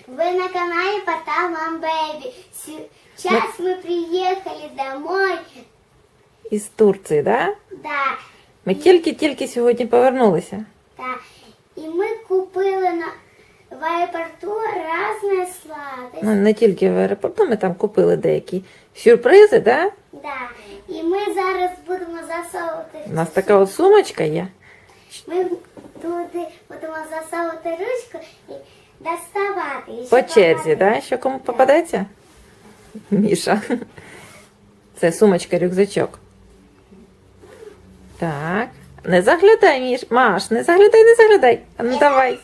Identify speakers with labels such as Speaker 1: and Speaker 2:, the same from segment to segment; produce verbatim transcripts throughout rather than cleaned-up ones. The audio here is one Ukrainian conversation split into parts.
Speaker 1: Вы на канале Пота Мам Бэби. Сейчас мы приехали домой.
Speaker 2: Із Турції, да?
Speaker 1: Да,
Speaker 2: Ми тільки-тільки сьогодні повернулися.
Speaker 1: да. І ми купили на в аеропорту різні сладості.
Speaker 2: Ну, не тільки в аеропорту, ми там купили деякі сюрпризи, да?
Speaker 1: Да. І ми зараз будемо засовувати.
Speaker 2: У нас така от сумочка є.
Speaker 1: Ми туди будемо засовувати ручку і доставати. І
Speaker 2: По
Speaker 1: ще
Speaker 2: черзі,
Speaker 1: багато.
Speaker 2: да? Що кому попадеться? Міша. Це сумочка-рюкзачок. Так. Не заглядай, Міш. Маш, не заглядай, не заглядай. А ну давай.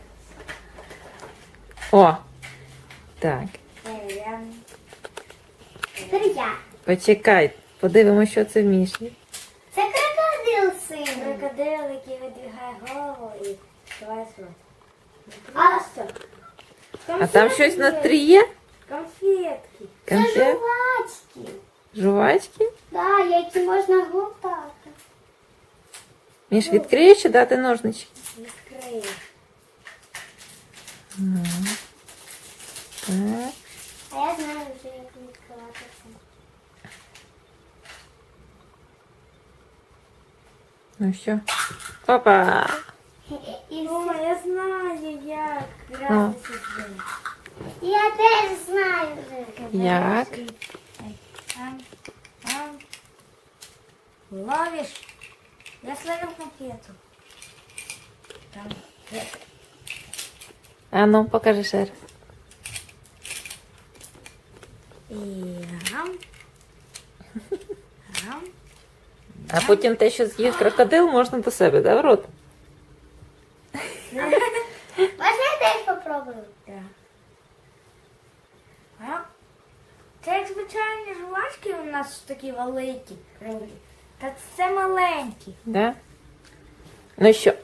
Speaker 2: О. Так.
Speaker 1: Тепер я.
Speaker 2: Почекай. Подивимося, що це в Міші.
Speaker 1: Це крокодил син.
Speaker 3: Крокодил, який видвигає голову і відкриває рот.
Speaker 1: А,
Speaker 2: А там щось на три є?
Speaker 3: Конфетки.
Speaker 1: це
Speaker 2: Конфет?
Speaker 1: жувачки.
Speaker 2: Жувачки?
Speaker 1: Да, які можна глотати.
Speaker 2: Міш, відкриєш чи дати ножнички?
Speaker 3: Відкриє.
Speaker 2: Ну. Так.
Speaker 1: А я знаю вже, як відкривати це.
Speaker 2: Ну що? Опа!
Speaker 1: І
Speaker 3: О,
Speaker 1: все.
Speaker 3: я знаю, як
Speaker 2: Ну.
Speaker 3: гратися з ним.
Speaker 1: Я теж знаю вже.
Speaker 2: Як?
Speaker 3: Ам, ам. Ловиш. Я словил конфету. Там. Є.
Speaker 2: А ну, покажи ще раз.
Speaker 3: І гам. Гам.
Speaker 2: А потім те, що з'їв крокодил, можна до себе, да, в рот?
Speaker 1: Можна я теж попробую?
Speaker 3: Так. А? Це як звичайні жувачки у нас такі великі. круглі. Та це маленькі.
Speaker 2: Да? Ну що?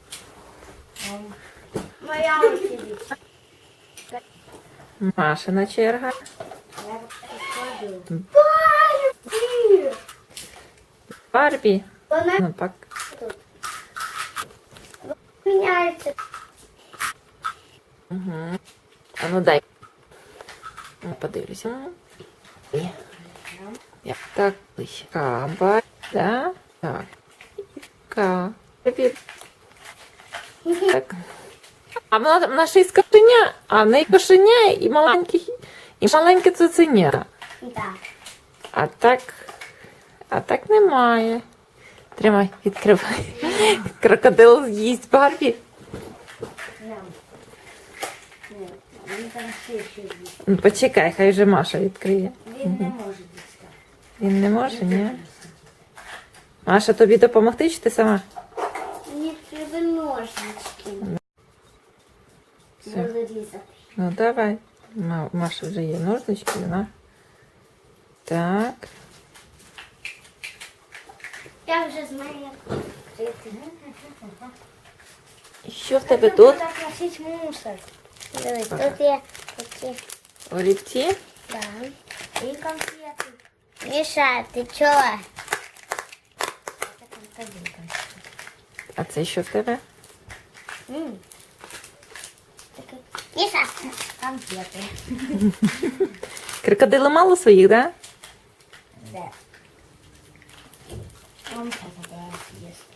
Speaker 1: Моя очередь.
Speaker 2: Машина черга.
Speaker 3: Я покладу.
Speaker 1: Барбі!
Speaker 2: Барбі.
Speaker 1: Вона
Speaker 2: Ну, пак.
Speaker 1: міняється.
Speaker 2: Угу. А ну дай. Ну, подивлюся. Є. Я. Так, ближче. Каба. Да? Так. Ка. Привіт. Так. А вона, вона ще й з кошеня, а в неї кошеня і маленький, і маленьке цуценя.
Speaker 1: Так.
Speaker 2: А так, а так немає. Тримай, відкривай. Крокодил з'їсть Барбі.
Speaker 3: Ням. Ні, він там ще ще є.
Speaker 2: Ну, почекай, хай вже Маша відкриє.
Speaker 3: Він не може дістати.
Speaker 2: Він не може, ні? Маша, тобі допомогти, чи ти сама?
Speaker 1: Мені треба ножнички.
Speaker 2: Все.
Speaker 1: Розрізати.
Speaker 2: Ну, давай. Ма- Маша вже є ножнички, вона. Так.
Speaker 1: Я вже знаю, як відкрити.
Speaker 2: І що в тебе тут?
Speaker 3: Так носить мусор.
Speaker 1: Дивись, тут є такі.
Speaker 2: Олівці?
Speaker 1: Да.
Speaker 3: І конфети.
Speaker 1: Міша, ти чого?
Speaker 3: Це конфети.
Speaker 2: А це що в тебе?
Speaker 1: М. Міша.
Speaker 3: Конфети.
Speaker 2: Крокодили мало своїх, да?
Speaker 3: Де? Он це їсть.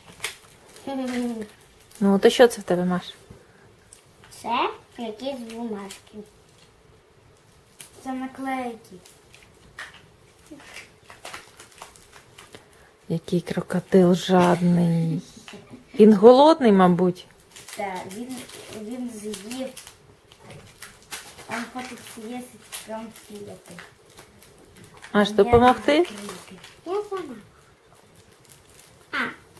Speaker 2: Ну, то що це в тебе, Маш?
Speaker 1: Це якісь бумажки.
Speaker 3: Це наклейки.
Speaker 2: Який крокодил жадний. Він голодний, мабуть.
Speaker 3: Так, він, він з'їв. Он хоче з'їсти конфети.
Speaker 2: Маш, допомогти?
Speaker 1: Я сама. А,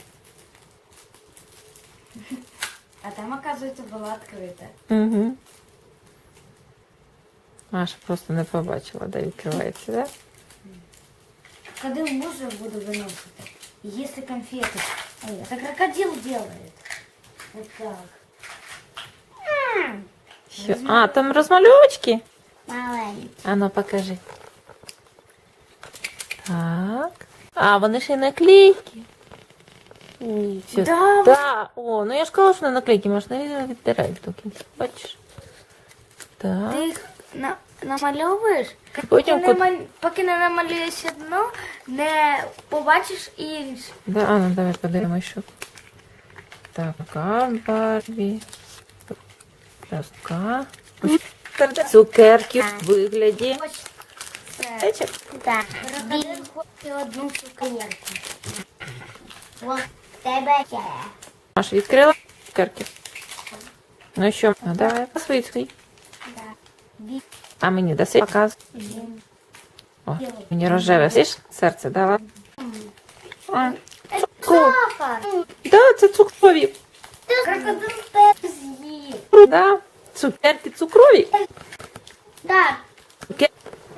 Speaker 3: А там, оказується, була відкрита.
Speaker 2: Угу. Маша просто не побачила, де відкривається, да?
Speaker 3: Крокодил мусор буду выносить. Если конфеты. Ой, это крокодил делает. Вот так.
Speaker 2: Що? А, там розмальовочки?
Speaker 1: маленький.
Speaker 2: А ну, покажи. Так. А, вони ще й наклейки.
Speaker 1: Ні.
Speaker 2: Все.
Speaker 3: Да.
Speaker 2: Да. О, ну я ж казала, що на наклейки можна відтирати до кінця. Бачиш? Так.
Speaker 3: Ти їх на, намальовуєш?
Speaker 2: Потім
Speaker 3: Поки,
Speaker 2: кут-
Speaker 3: не, мал- поки не намалюєш одну, не побачиш іншу.
Speaker 2: Да, а, ну давай подивимось, що. Так, така Барбі. Така. Цукерки в вигляді.
Speaker 3: Ось це.
Speaker 2: Течок.
Speaker 1: Так.
Speaker 3: Крокодил хоче одну цукерку.
Speaker 1: Ось тебе ще.
Speaker 2: Маша відкрила цукерки. Ну що, а давай свої свої.
Speaker 3: Бі-
Speaker 2: А мені даси показ. О, мені рожеве, слиш? Серце дала. А, цукор.
Speaker 1: Сахар.
Speaker 2: Да, це цукрові.
Speaker 3: Крокодил теж з'їв.
Speaker 2: Да. Цукерки цукрові.
Speaker 1: Так.
Speaker 2: Цукер-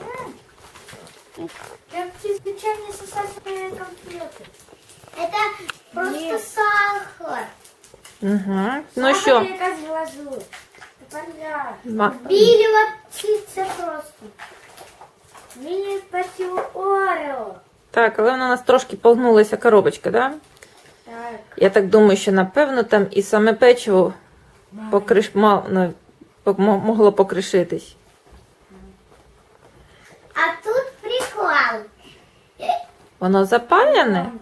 Speaker 3: Як ці звичайні сосисні конфети.
Speaker 1: Это просто
Speaker 3: Ні.
Speaker 1: сахар.
Speaker 2: Угу. Ну
Speaker 3: Сахар
Speaker 2: що?
Speaker 3: і якась глазурь. Тепер я.
Speaker 2: Ма-
Speaker 1: Білі оці це просто.
Speaker 3: Мені печиво Орео.
Speaker 2: Так, але вона у нас трошки погнулася коробочка, да?
Speaker 3: Так.
Speaker 2: Я так думаю, що напевно там і саме печиво покриш... мал... ну, пок- мо- могло покришитись.
Speaker 1: А тут прикол.
Speaker 2: Воно запалене?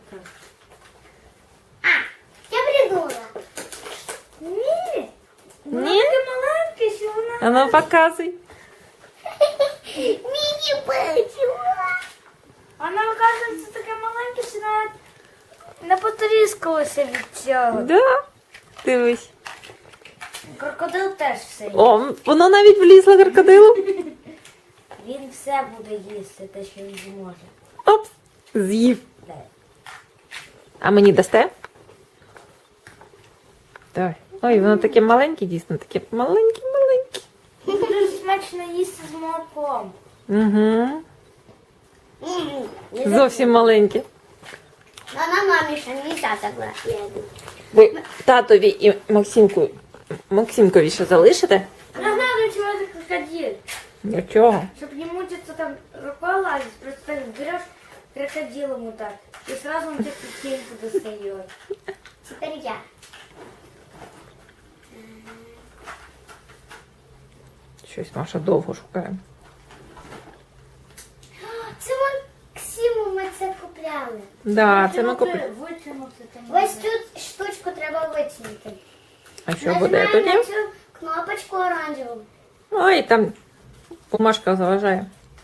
Speaker 1: А, я придумала.
Speaker 3: Ні. Воно
Speaker 2: Ні?
Speaker 3: таке маленьке, що воно...
Speaker 2: А ну показуй.
Speaker 1: Міні-печиво.
Speaker 3: Воно, оказується, таке маленьке, що навіть не потріскалося від цього.
Speaker 2: Да. Дивись.
Speaker 3: Крокодил теж все їсть.
Speaker 2: О, воно навіть влізло крокодилу.
Speaker 3: Він все буде їсти, те, що він зможе.
Speaker 2: Оп, з'їв.
Speaker 3: Дай.
Speaker 2: А мені дасте? Давай. Ой, воно таке маленьке, дійсно, таке маленьке-маленьке.
Speaker 3: Дуже смачно їсти з молоком.
Speaker 2: Угу.
Speaker 1: М,
Speaker 2: Зовсім маленьке.
Speaker 1: Вона мамі ще не так согласна.
Speaker 2: Ви татові і Максимку, Максимкові ще залишите?
Speaker 3: Я знаю, чего это крокодил.
Speaker 2: Нічого.
Speaker 3: Чтобы не мучиться там рукой лазить, просто так берешь крокодил ему так. И сразу он тебе петельку достает.
Speaker 1: Тепер я.
Speaker 2: Щось Маша довго шукає.
Speaker 1: Це Максиму ми це купляли.
Speaker 2: Да, це ми купили.
Speaker 3: Вытянуться там.
Speaker 1: Ось тут штучку треба витягнути.
Speaker 2: А що буде
Speaker 1: Нажимаємо
Speaker 2: тоді?
Speaker 1: на цю кнопочку оранжеву.
Speaker 2: Ой, там бумажка заважає.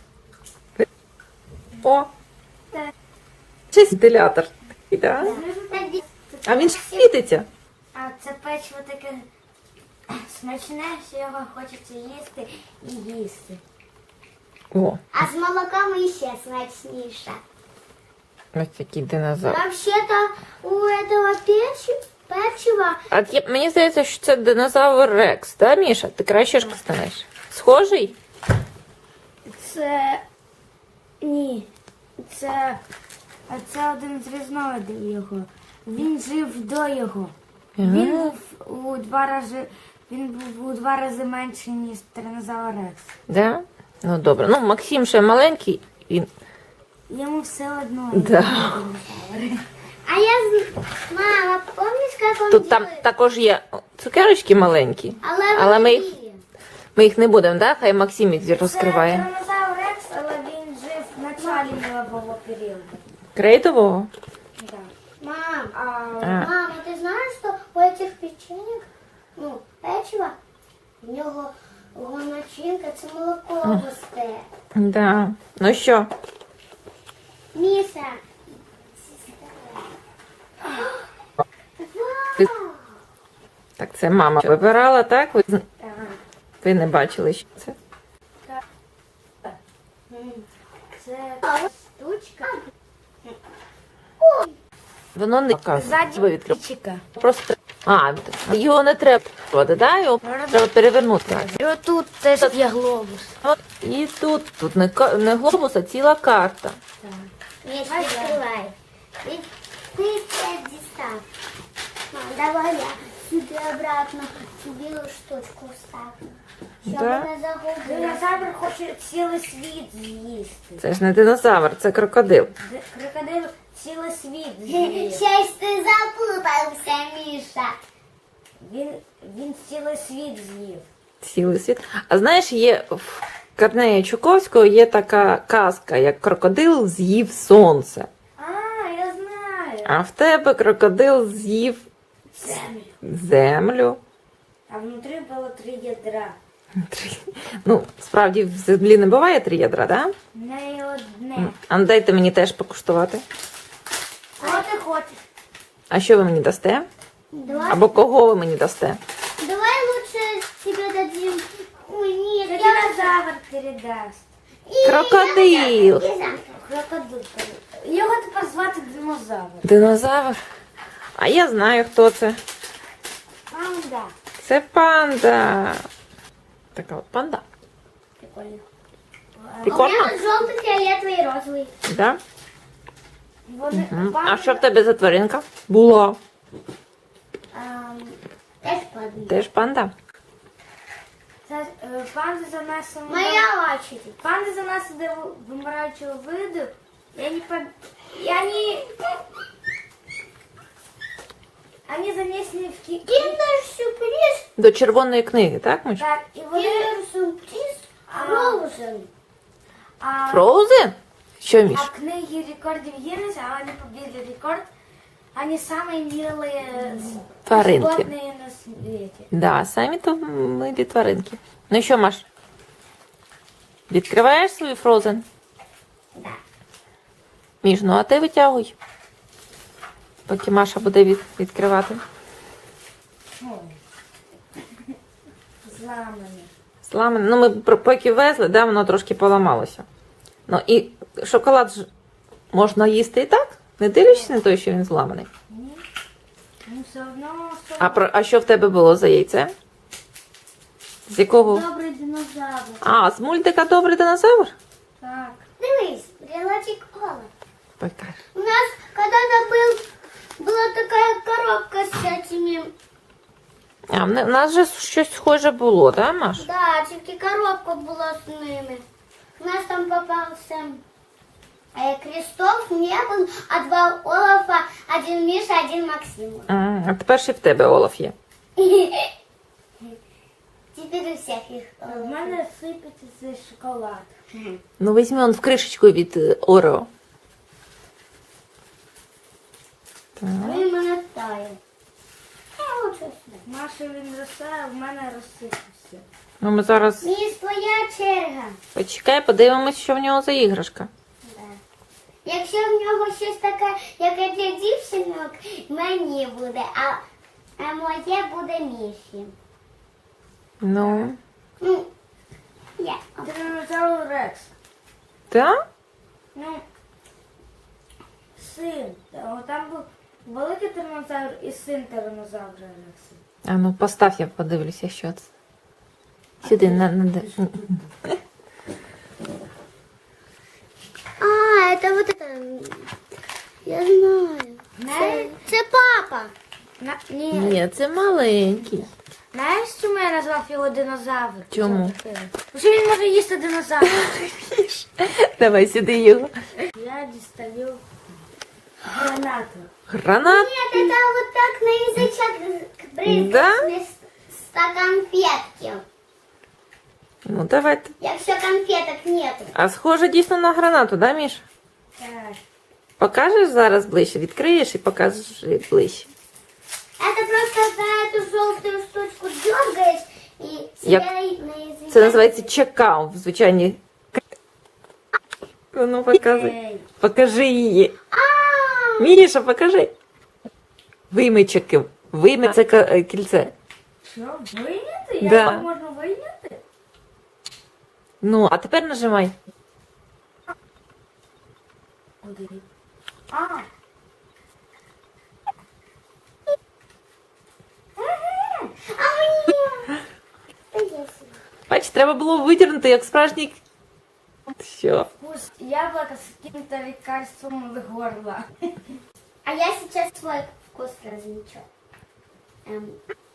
Speaker 2: О!
Speaker 1: Так.
Speaker 2: Це вентилятор. такий, да?
Speaker 1: Так, ді-
Speaker 2: А він ж світиться.
Speaker 3: А це печиво таке смачне, що його хочеться їсти і їсти.
Speaker 2: О,
Speaker 1: А з молоком іще смачніше.
Speaker 2: ось такий динозавр.
Speaker 1: Вообще-то у этого печи, печива
Speaker 2: А є- мені здається, що це динозавр Рекс, да, Міша? Ти краще ж знаєш. Схожий?
Speaker 3: Це ні. Це, а це один з різновидів його. Він жив до його. Він був у два рази. Він був у два рази менший, ніж тиранозавр Рекс.
Speaker 2: Да? Ну добре. Ну, Максим ще маленький. Він...
Speaker 3: Йому все одно.
Speaker 2: Да.
Speaker 1: А я з... Мама, помниш, як он
Speaker 2: Тут там
Speaker 1: делает?
Speaker 2: також є цукерочки маленькі.
Speaker 1: Але,
Speaker 2: але ми
Speaker 1: вони
Speaker 2: їх-
Speaker 1: білі.
Speaker 2: Ми їх не будемо, да? Хай Максим їх розкриває.
Speaker 3: Це тиранозавр Рекс, але він жив в началі мілового періоду.
Speaker 2: Крейдового?
Speaker 3: Да.
Speaker 1: Мам,
Speaker 3: А,
Speaker 2: А.
Speaker 1: мама, ти знаєш, що у этих печенек, ну, печива, в нього його начинка, це молоко густе.
Speaker 2: Да. Ну що?
Speaker 1: Міша.
Speaker 2: Ти-
Speaker 1: Вау!
Speaker 2: Так, це мама вибирала, так? Ви, з-
Speaker 3: ага.
Speaker 2: ви не бачили, що це?
Speaker 1: М.
Speaker 3: Це
Speaker 1: Штучка.
Speaker 2: Воно не показує. Ви
Speaker 3: ззаді
Speaker 2: відкрив.
Speaker 3: чика.
Speaker 2: Просто. А, його не треба води, да? Його треба перевернути.
Speaker 3: І отут теж є глобус.
Speaker 2: От, і тут, тут не, ка- не глобус, а ціла карта.
Speaker 1: Міша, відкривай. Ти ти це дістав. Мам, давай я сюди обратно цю білу штучку вставлю. Щоб
Speaker 2: Да?
Speaker 1: не загубила.
Speaker 3: Динозавр хоче цілий світ з'їсти.
Speaker 2: Це ж не динозавр, це крокодил.
Speaker 3: Д- Крокодил цілий світ з'їв.
Speaker 1: Щось ти запутався, Міша.
Speaker 3: Він, він цілий світ з'їв.
Speaker 2: Цілий світ. А знаєш, є в Корнея Чуковського є така казка, як крокодил з'їв сонце.
Speaker 3: А, я знаю.
Speaker 2: А в тебе крокодил з'їв
Speaker 3: Землю.
Speaker 2: землю.
Speaker 3: А внутри было три ядра.
Speaker 2: Три. Ну, справді в землі не буває три ядра, так? Да?
Speaker 3: Не одне.
Speaker 2: А ну, дайте мені теж покуштувати.
Speaker 3: Кого ти хочеш?
Speaker 2: А що ви мені дасте?
Speaker 1: Давай,
Speaker 2: Або кого ви мені дасте?
Speaker 1: давай лучше тебе дадим. Ой, нет, я...
Speaker 3: Динозавр передасть.
Speaker 1: И-
Speaker 2: Крокодил.
Speaker 1: И завтра.
Speaker 3: Крокодил передасть. Його тепер звати динозавр.
Speaker 2: Динозавр. А я знаю, хто це.
Speaker 3: Панда.
Speaker 2: Це панда. Така от панда.
Speaker 3: Прикольно.
Speaker 1: У
Speaker 2: Прикольно?
Speaker 1: меня желтый, фиолетовый и розовый.
Speaker 2: Да?
Speaker 3: Вони,
Speaker 2: М.
Speaker 3: панда,
Speaker 2: А що в тебе за тваринка? Була.
Speaker 1: Ам, Теж падає.
Speaker 2: Теж панда.
Speaker 3: Це, е, панди за нас
Speaker 1: Моя очередь.
Speaker 3: Панди за нас іде вимираючого виду. Я не по... Я не... Они занесены в ки...
Speaker 1: Киндер-сюрприз.
Speaker 2: До червоної книги, так, Миш?
Speaker 3: Так, і вони...
Speaker 1: Киндер-сюрприз.
Speaker 3: А.
Speaker 1: Фроузен.
Speaker 3: А,
Speaker 2: Фроузен? Що, Міш?
Speaker 3: а книги рекордов Гиннесса, а они побили рекорд. Они самые милые
Speaker 2: Тваринки.
Speaker 3: животные на свете.
Speaker 2: Да, самі то милі тваринки. Ну що, Маш? Відкриваєш свою Фроузен?
Speaker 1: Да.
Speaker 2: Міш, ну а ти витягуй. Поки Маша буде від, відкривати.
Speaker 3: Зламані.
Speaker 2: Сламане. Ну, ми пр- поки везли, да, воно трошки поламалося. Ну і шоколад ж можна їсти і так, не дивлячись на те, що він зламаний.
Speaker 3: Ні. Ну, все одно... все
Speaker 2: А, про, а що в тебе було за яйце? З якого?
Speaker 1: Добрий динозавр.
Speaker 2: А, з мультика Добрий динозавр?
Speaker 3: Так.
Speaker 1: Дивись, брелочек Ола.
Speaker 2: Покаж.
Speaker 1: У нас когда-то был, была такая коробка с этими...
Speaker 2: А, в не- в нас же щось схоже було, да, Маш?
Speaker 1: Да, тільки коробка була з ними. У нас там попався э, Крестов, не был, а два Олафа, один Миша, один Максим.
Speaker 2: М, А тепер ще в тебе Олаф є.
Speaker 1: Теперь у всех их.
Speaker 3: В мене сипеться цей шоколад.
Speaker 2: Ну, візьми он в кришечку від е, Орео. Так.
Speaker 1: Він мене тає. Я лучше сюди.
Speaker 3: Маша він росте, а в мене розсипався.
Speaker 2: Ну, ми зараз
Speaker 1: Міс, твоя черга.
Speaker 2: почекай, подивимось, що в нього за іграшка.
Speaker 1: Да. Якщо в нього щось таке, яке для дівчинок, мені буде, а, а моє буде Міші.
Speaker 2: Ну,
Speaker 1: Ну, я.
Speaker 3: Тиранозавр Рекс.
Speaker 2: так?
Speaker 3: Ну, син. О, там був великий тиранозавр і син тиранозавра Рекса.
Speaker 2: А ну, постав, я подивлюся, що це. Сюди, на, на, де-
Speaker 1: А, это вот это. Я знаю.
Speaker 3: Знаєш,
Speaker 1: Це папа.
Speaker 3: на, ні.
Speaker 2: Ні, це маленький.
Speaker 3: Знаєш, чому я назвав його динозавр?
Speaker 2: Чому?
Speaker 3: Тому що він може їсти динозавр.
Speaker 2: Давай сюди його.
Speaker 3: Я дістаю гранату.
Speaker 2: Гранат.
Speaker 1: Нет, это вот так на язычок брызгать
Speaker 2: Да?
Speaker 1: вместо конфетки.
Speaker 2: Ну, давайте.
Speaker 1: Якщо конфеток нету.
Speaker 2: А схоже дійсно на гранату, да, Міш?
Speaker 3: Так.
Speaker 2: Покажеш зараз ближче, відкриєш і покажеш ближче.
Speaker 1: Это просто за эту желтую штучку дергаешь и
Speaker 2: Як-
Speaker 1: себе на язычок.
Speaker 2: Це називається чекау в звичайній. Ну, показуй.
Speaker 3: Ей.
Speaker 2: Покажи її.
Speaker 1: А,
Speaker 2: Міша, покажи. Вийми чеки. Вийми це ка- е, кільце.
Speaker 3: Що, вийняти? Як
Speaker 2: Да.
Speaker 3: так можна вийняти?
Speaker 2: Ну, а тепер нажимай.
Speaker 3: Куди? А,
Speaker 1: а мне. Да я себе.
Speaker 2: Бач, треба було витягнути, як справжній. Що?
Speaker 3: вкус яблока з каким-то лекарством в горло.
Speaker 1: А я сейчас свой вкус размечу. Эм.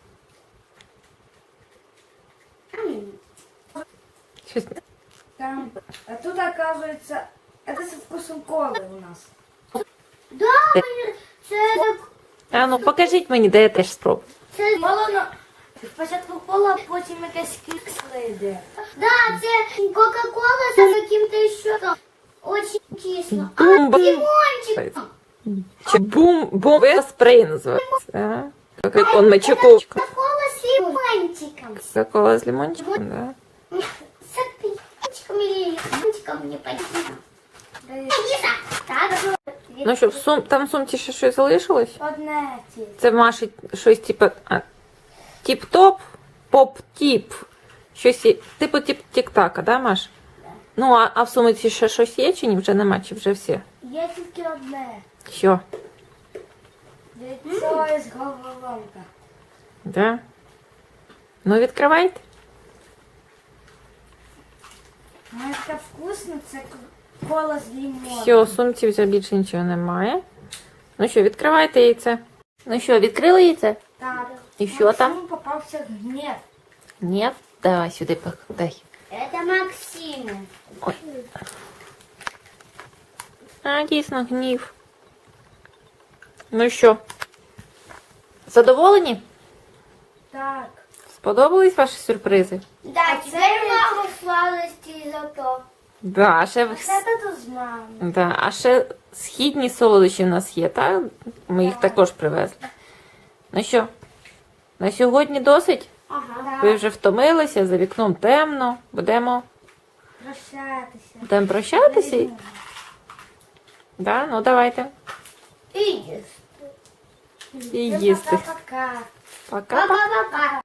Speaker 1: М.
Speaker 2: Щось...
Speaker 3: Там, а тут оказывается, это со вкусом колы у нас.
Speaker 1: Да, мені- це так.
Speaker 2: А ну покажіть мені, де я теж спробую.
Speaker 1: Це
Speaker 3: Кола, Спочатку кола, а потім якась кіксла йде.
Speaker 1: Да, це Кока-Кола з яким-то ще очень кисло. А,
Speaker 2: Бум, бум.
Speaker 1: лимончик.
Speaker 2: Чи бум, бум, спрей називається. А? Как он мочеков.
Speaker 1: Кока-Кола с лимончиком.
Speaker 2: Кока-кола с лимончиком, да?
Speaker 1: С лимончиком или лимончиком, не понятно. Лиза, так.
Speaker 2: Ну що, в сум... там в сумці ще щось залишилось?
Speaker 3: Одне ті.
Speaker 2: Це в Маші щось типу а, тіп-топ, поп-тіп. Щось є- типу тіп тік-така, да, Маш? Ну, а, а в сумці ще щось є чи ні? Вже нема, чи вже все?
Speaker 3: Є тільки одне.
Speaker 2: Що?
Speaker 3: Яйцо із головоломка.
Speaker 2: Да? Ну, відкривайте.
Speaker 3: Ну, таке вкусно, це кола з лимоном.
Speaker 2: Все, в сумці вже більше нічого немає. Ну що, відкривайте яйце. Ну що, відкрили яйце?
Speaker 3: Так.
Speaker 2: І що там?
Speaker 3: Максиму попався гнев.
Speaker 2: Ні? Давай сюди дай.
Speaker 1: Это Максим.
Speaker 2: Ой. А, дійсно, гнів. Ну що? Задоволені?
Speaker 3: Так.
Speaker 2: Сподобались ваші сюрпризи?
Speaker 1: Да,
Speaker 3: А
Speaker 1: теперь
Speaker 3: це-
Speaker 1: мама сладости зато.
Speaker 2: Да, а ще, в-
Speaker 3: Це тут з мамою.
Speaker 2: да, а ще східні солодощі в нас є, так? Ми їх також привезли. Ну що, на сьогодні досить?
Speaker 1: Ага.
Speaker 2: Ви вже втомилися, за вікном темно. Будемо,
Speaker 3: Прощатися.
Speaker 2: будемо прощатися? Да? Ну давайте.
Speaker 1: И ешь.
Speaker 2: І їсти.
Speaker 3: Пока-пока.
Speaker 2: Пока.
Speaker 1: Пока-пока.